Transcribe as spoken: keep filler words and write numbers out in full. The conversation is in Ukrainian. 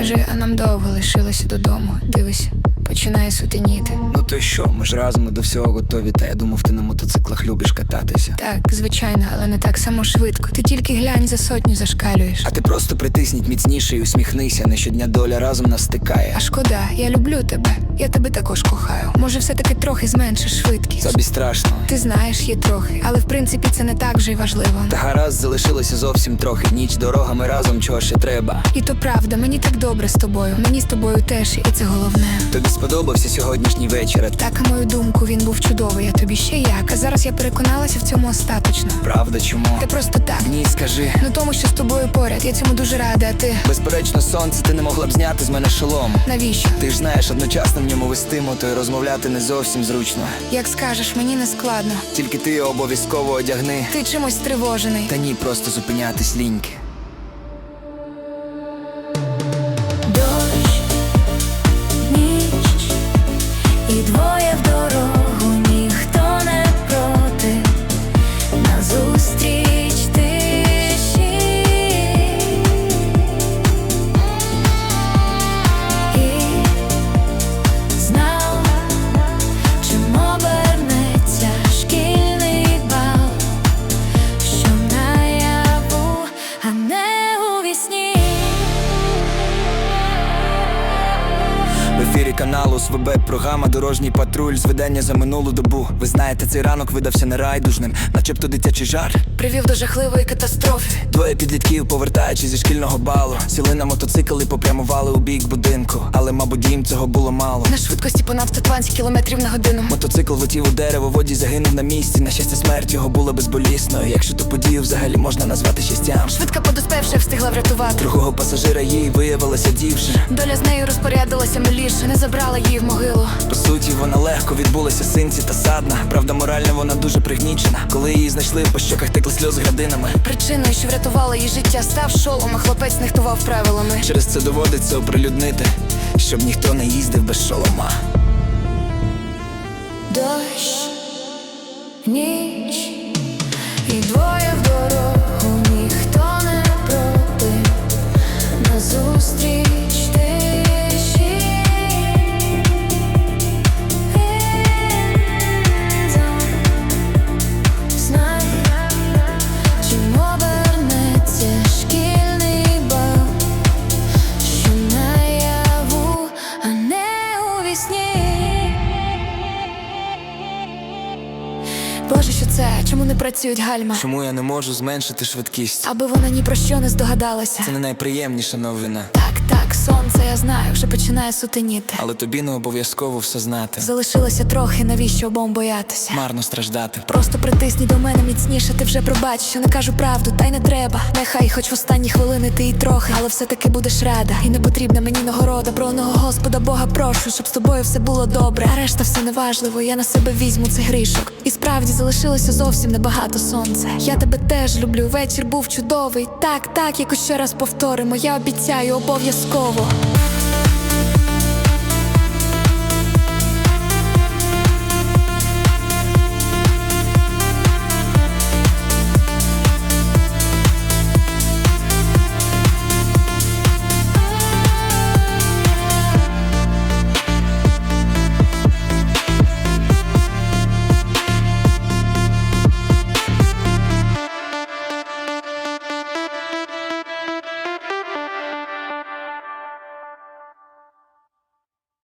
Скажи, а нам довго лишилося додому? Дивись, починає сутеніти. Ну то й що, ми ж разом до всього готові. Та я думав, ти на мотоциклах любиш кататися. Так, звичайно, але не так само швидко. Ти тільки глянь, за сотню зашкалюєш. А ти просто притисніть міцніше і усміхнися. Не щодня доля разом нас стикає. А шкода, я люблю тебе. Я тебе також кохаю. Може, все-таки трохи зменшиш швидкість? Тобі страшно. Ти знаєш, є трохи, але в принципі це не так вже й важливо. Та гаразд, залишилося зовсім трохи. Ніч, дорога, ми разом, чого ще треба. І то правда, мені так добре з тобою. Мені з тобою теж, і це головне. Тобі сподобався сьогоднішній вечір? Так, на мою думку, він був чудовий, а тобі ще як. А зараз я переконалася в цьому остаточно. Правда, чому? Та просто так. Ні, скажи. Ну тому, що з тобою поряд, я цьому дуже рада, а ти? Безперечно, сонце, ти не могла б зняти з мене шолом. Навіщо? Ти ж знаєш, одночасно в ньому вести мото і розмовляти не зовсім зручно. Як скажеш, мені не складно. Тільки ти його обов'язково одягни. Ти чимось стривожений. Та ні, просто зупинятись ліньки. Дощ, ніч і двоє в дорогу, ніхто не проти, назустріч тиші. І знав, чим обернеться шкільний бал, що наяву, а не у вісні. В ефірі каналу СВБ програма «Дорожній патруль» з видання за минулу добу. Ви знаєте, цей ранок видався нерайдужним, начебто дитячий жарт Привів до жахливої катастрофи. Двоє підлітків, повертаючись зі шкільного балу, сіли на мотоцикл і попрямували у бік будинку. Але, мабуть, їм цього було мало. На швидкості понад сто двадцять кілометрів на годину. Мотоцикл влетів у дерево, водій загинув на місці. На щастя, смерть його була безболісною, якщо ту подію взагалі можна назвати щастям. Швидка подоспевши встигла врятувати. Другого пасажира їй виявилася дівчина. Доля з нею розпорядилася миліше, не забрала її в могилу. По суті, вона легко відбулася синці та садна. Правда, морально вона дуже пригнічена. Коли її знайшли, по щоках текли сльози градинами. Причиною, що врятувала її життя, став шолом, а хлопець нехтував правилами. Через це доводиться оприлюднити, щоб ніхто не їздив без шолома. Дощ, ніч і двоє в дорогу, ніхто не проти, назустріч тиші. Знай, чим обернеться шкільний бал, що наяву, а не у вісні. Боже, що це? Чому не працюють гальма? Чому я не можу зменшити швидкість? Аби вона ні про що не здогадалася. Це не найприємніша новина. Так, так, сонце, я знаю, вже починає сутеніти. Але тобі не обов'язково все знати. Залишилося трохи, навіщо обом боятися? Марно страждати. Просто притисні до мене міцніше, ти вже пробач, що не кажу правду, та й не треба. Нехай хоч в останні хвилини ти і трохи, але все-таки будеш рада. І не потрібна мені нагорода, про одного Господа Бога прошу, щоб з тобою все було добре. А решта все неважливо, я на себе візьму цей грішок. І справді залишилося зовсім небагато сонця. Я тебе теж люблю, вечір був чудовий. Так, так, якось ще раз повторимо, я обіцяю обов'язково.